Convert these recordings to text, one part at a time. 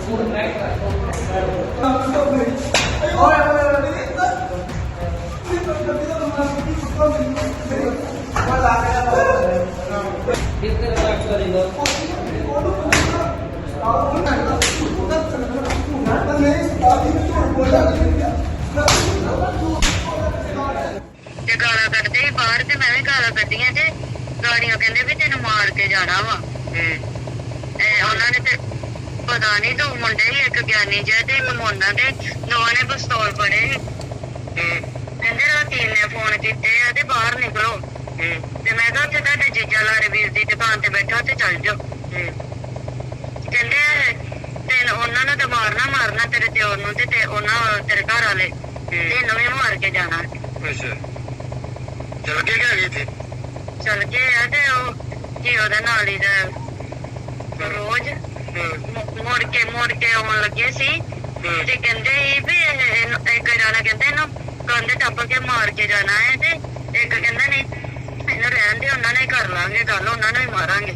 गाला कड्डदे ही बाहर ते मैं भी गाला कड्डियां ते गाड़ियां कहंदे भी तेन मार के जाना वा उन्होंने ते पता नहीं दो मुंडे ही एक ज्ञानी जै ते एक मोना ते दोवां ने पिस्तौल फड़े कहंदे राती ने फोन कीते ते बाहर निकलो ते मैं कहा उत्थे तुहाडे जीजा लारे वीर दी दुकान ते बैठा ते चल जाओ कहंदे तेन उन्हां नूं ते मारना तेरे दिओर नूं ते उन्हां तेरे घर वाले तेनों भी मार के जाना। अच्छा चल के गए थे चल के ते की ओहदे नाल ही रोज मुड़ के आउण लगे सी ते कहंदे ही भी एक जाना कहंदे इन्हूं कंध टप के मार के जाना है ते एक कहंदा नहीं इन्हूं रहण दे उन्हां ने कर लांगे गल उन्हां नूं ही मारांगे।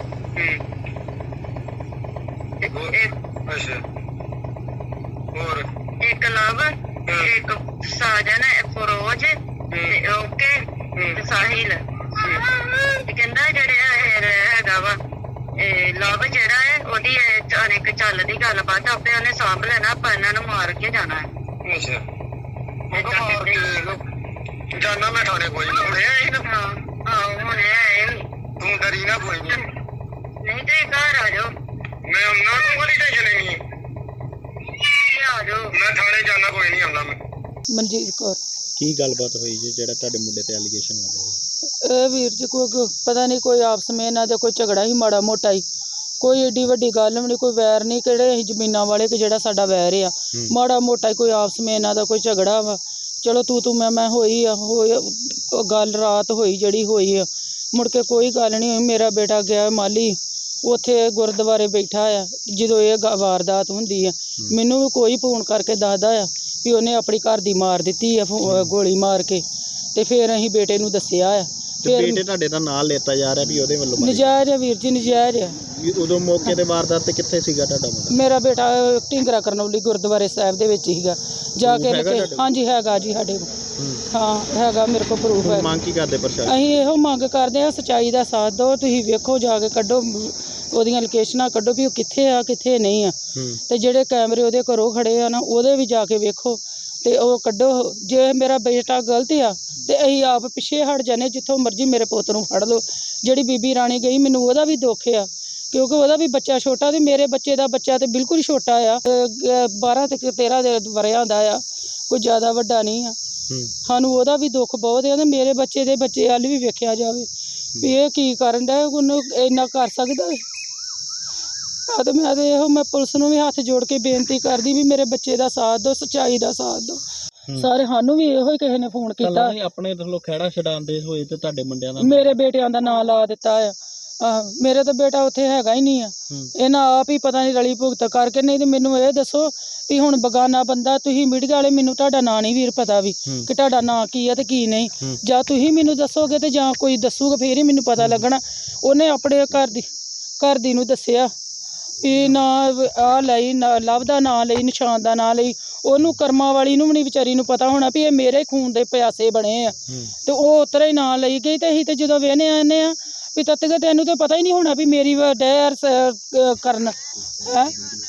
अच्छा और एक लव एक साजन फिरोज ओके साहिल कहंदा जेहड़े हैगा वा लव जेहड़ा है ओदी अनेक चलदी गलबात आपे उन्हें सांभ लेना आपां इन्हां नूं मार के जाना है। अच्छा जाना मैं थाने कोई हुणे आए तू डरी ना कोई नहीं ते घर आ जाओ मैं उन्हां नूं कोई टेंशन नहीं आ जाओ मैं थाने जाना कोई नहीं आंदा मैं। मनजीत कौर की गलबात हुई जी जेड़ा तुहाडे मुंडे ते एलीगेशन लग रहे ए वीर जी कोई पता नहीं कोई आपस में इन्हां दे कोई झगड़ा ही माड़ा मोटा ही कोई एडी वड्डी गल भी नहीं कोई वैर नहीं किहड़े असीं जमीनां वाले कि जेड़ा साडा वैर आ माड़ा मोटा ही कोई आपस में इन्हां दा कोई झगड़ा वा चलो तू मैं होई गल रात होई जिहड़ी होई आ मुड़ के कोई गल नहीं हुई। मेरा बेटा गया माली उत्थे गुरुद्वारे बैठा आ जदों ये वारदात हुंदी आ मैनूं भी कोई फोन करके दसदा आ भी उन्हें अपनी घर दी मार दित्ती है गोली मार के ते फिर असीं बेटे नूं दस्सिया आ फिर बेटे तुहाडे दा नाम लेता जा रहा भी ओहदे वल्लों नजायज़ है वीर जी नजायज़ है। उदों मौके ते वारदात ते कित्थे सीगा तुहाडा मुंडा? मेरा बेटा ढिंगरा करनौली गुरुद्वारे साहिब दे विच हीगा जाके हाँ जी हैगा जी साडे हाँ हैगा मेरे को प्रूफ है। मांग की करदे प्रशासन? असीं इहो मंग करदे आ सच्चाई दा साथ दो तुसीं वेखो जाके कड्ढो ओहदियां लोकेशनां कड्ढो भी ओह कित्थे आ कित्थे नहीं आ ते जेहड़े कैमरे ओहदे घरों खड़े आ ना ओहदे भी जाके वेखो ते ओह कड्ढो जे मेरा बेटा गलत आ ते असीं आप पिछे हट जाने जित्थों मर्जी मेरे पुत्त नूं फड़ लो। जिहड़ी बीबी राणी गई मैनूं ओहदा भी दुख आ क्योंकि ओहदा भी बच्चा छोटा ते मेरे बच्चे दा बच्चा ते बिल्कुल छोटा आ 12 ते 13 वरियां दा आ कोई ज़्यादा वड्डा नहीं आ सानूं ओहदा भी दुख बहुत है ते मेरे बच्चे दे बच्चे हल भी वेखिया जावे भी एह की करन डे उन्नूं इन्ना कर सकदा है। तो मैं पुलिस नूं भी हत्थ जोड़ के बेनती करदी भी मेरे बच्चे दा साथ दो सच्चाई दा साथ दो सारे सानूं भी इहो ही किसी ने फोन कीता अपने थल्लों खैड़ा छडांदे होए ते तुहाडे मुंडिਆਂ ਦਾ मेरे बेटियां दा नां ला दित्ता आ मेरे तो बेटा उत्थे हैगा ही नहीं आ इन्हां आप ही पता नहीं रली भुगत करके नहीं तो मैनूं ये दसो भी हुण बगाना बंदा तुसीं मीडिया वाले मैनूं तुहाडा नां नहीं वीर पता भी कि तुहाडा नां की है ते की नहीं जां तुसीं मैनूं दसोगे ते जां कोई दसूगा फिर ही मैनूं पता लगना। उन्हें अपने घर दी नूं दस्सिया भी ना आ लई लव दा नां लई निशान दा नां लई ओनू कर्मा वाली नूं भी नहीं विचारी नूं पता होना भी ये मेरे खून दे प्यासे बने आ ते ओह उतरे ही नां लई गई ते असीं ते जदों वेहने आने आ भी तत्त गै तैनूं ते पता ही नहीं होना भी मेरी डैर करन है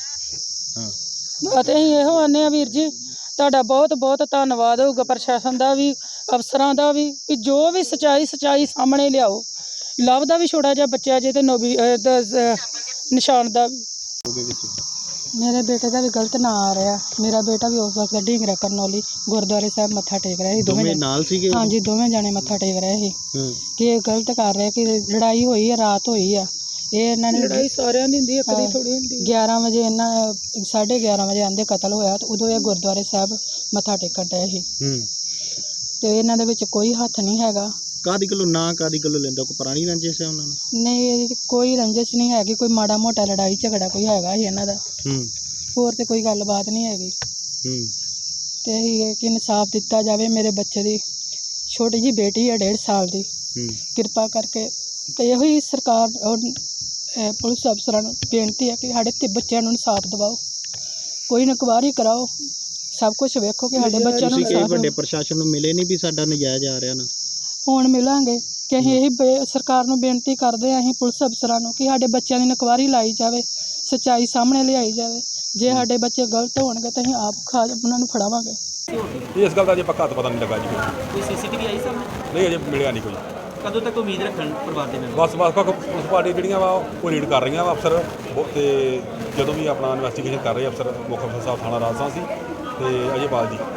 ते असीं इहो आने आ वीर जी तुहाडा बहुत बहुत धन्नवाद होगा प्रशासन दा भी अफसरां दा भी जो भी सच्चाई सामने लियाओ। लव दा भी छोटा जिहा बच्चा जे ते नोबी निशान दा भी मेरे बेटे का भी गलत ना आ रहा मेरा बेटा भी उस वक्त ढींगरा करनौली गुरुद्वारे साहब मत्था टेक रहे थे हाँ जी दोवें जाने मत्था टेक रहे थे कि गलत कर रहे कि लड़ाई हुई है रात हुई है ये इन्होंने लड़ाई सारिਆਂ ਦੀ ਹੁੰਦੀ ਹੈ ਕਦੀ ਥੋੜੀ ਹੁੰਦੀ 11 ਵਜੇ ਇਹਨਾਂ 11:30 ਵਜੇ ਆਂਦੇ ਕਤਲ ਹੋਇਆ ਤੇ ਉਦੋਂ ਇਹ ਗੁਰਦੁਆਰੇ ਸਾਹਿਬ ਮੱਥਾ ਟੇਕਣ ਡਏ ਸੀ ਤੇ ਇਹਨਾਂ ਦੇ ਵਿੱਚ ਕੋਈ ਹੱਥ ਨਹੀਂ ਹੈਗਾ। ਕਾਦੀ ਕੋਲੋਂ ਨਾ ਕਾਦੀ ਕੋਲੋਂ ਲੈਂਦਾ ਕੋਈ ਪੁਰਾਣੀ ਰੰਜਿਸ਼ ਹੈ ਉਹਨਾਂ ਨੂੰ? ਨਹੀਂ ਇਹਦੀ ਕੋਈ ਰੰਜਿਸ਼ ਨਹੀਂ ਹੈਗੀ ਕੋਈ ਮਾੜਾ ਮੋਟਾ ਲੜਾਈ ਝਗੜਾ ਕੋਈ ਹੈਗਾ ਸੀ ਇਹਨਾਂ ਦਾ ਹੋਰ ਤੇ ਕੋਈ ਗੱਲਬਾਤ ਨਹੀਂ ਹੈਗੀ ਤੇ ਇਹ ਕਿ ਇਨਸਾਫ ਦਿੱਤਾ ਜਾਵੇ ਮੇਰੇ ਬੱਚੇ ਦੀ ਛੋਟੀ ਜੀ ਬੇਟੀ ਹੈ 1.5 ਸਾਲ ਦੀ ਕਿਰਪਾ ਕਰਕੇ ਤੇ ਇਹੋ ਹੀ ਸਰਕਾਰ ਔਰ ਪੁਲਿਸ ਅਫਸਰਾਂ ਨੂੰ ਬੇਨਤੀ ਹੈ ਕਿ ਸਾਡੇ ਤੇ ਬੱਚਿਆਂ ਨੂੰ ਇਨਸਾਫ ਦਿਵਾਓ। ਕੋਈ ਇਨਕੁਆਇਰੀ ਕਰਾਓ, ਸਭ ਕੁਝ ਵੇਖੋ ਕਿ ਸਾਡੇ ਬੱਚਿਆਂ ਨੂੰ ਤੁਸੀਂ ਕਿ ਇਨਸਾਫ਼ ਵੱਡੇ ਪ੍ਰਸ਼ਾਸਨ ਨੂੰ ਮਿਲੇ ਨਹੀਂ ਵੀ ਸਾਡਾ ਨਜਾਇਜ਼ ਆ ਰਿਹਾ ਨਾ? ਹੁਣ ਮਿਲਾਂਗੇ ਕਿ ਅਸੀਂ ਇਹੀ ਸਰਕਾਰ ਨੂੰ ਬੇਨਤੀ ਕਰਦੇ ਹਾਂ, ਅਸੀਂ ਪੁਲਿਸ ਅਫਸਰਾਂ ਨੂੰ, ਕਿ ਸਾਡੇ ਬੱਚਿਆਂ ਦੀ ਇਨਕੁਆਇਰੀ ਲਾਈ ਜਾਵੇ, ਸੱਚਾਈ ਸਾਹਮਣੇ ਲਿਆਈ ਜਾਵੇ। ਜੇ ਸਾਡੇ ਬੱਚੇ ਗਲਤ ਹੋਣਗੇ ਤਾਂ ਅਸੀਂ ਆਪ ਉਹਨਾਂ ਨੂੰ ਫੜਾਵਾਂਗੇ। ਇਸ ਗੱਲ ਦਾ ਅਜੇ ਪੱਕਾ ਤਾਂ ਪਤਾ ਨਹੀਂ ਲੱਗਾ ਜੀ। ਕੋਈ ਸੀਸੀਟੀਵੀ ਆਈ ਸਾਹਮਣੇ? ਨਹੀਂ ਅਜੇ ਮਿਲਿਆ ਨਹੀਂ ਕੋਈ। ਕਦੋਂ ਤੱਕ ਉਮੀਦ ਰੱਖਣ ਪਰਿਵਾਰ ਦੇ ਮੈਂਬਰ? ਬਸ ਪੁਲਿਸ ਪਾਰਟੀ ਜਿਹੜੀਆਂ ਵਾ ਉਹ ਰੀਡ ਕਰ ਰਹੀਆਂ ਵਾ ਅਫਸਰ, ਤੇ ਜਦੋਂ ਵੀ ਆਪਣਾ ਇਨਵੈਸਟੀਗੇਸ਼ਨ ਕਰ ਰਹੇ ਅਫਸਰ, ਮੁੱਖ ਅਫਸਰ ਸਾਹਿਬ ਥਾਣਾ ਰਾਜਸਥਾਨ ਸੀ ਤੇ ਅਜੇ ਬਾਲ ਜੀ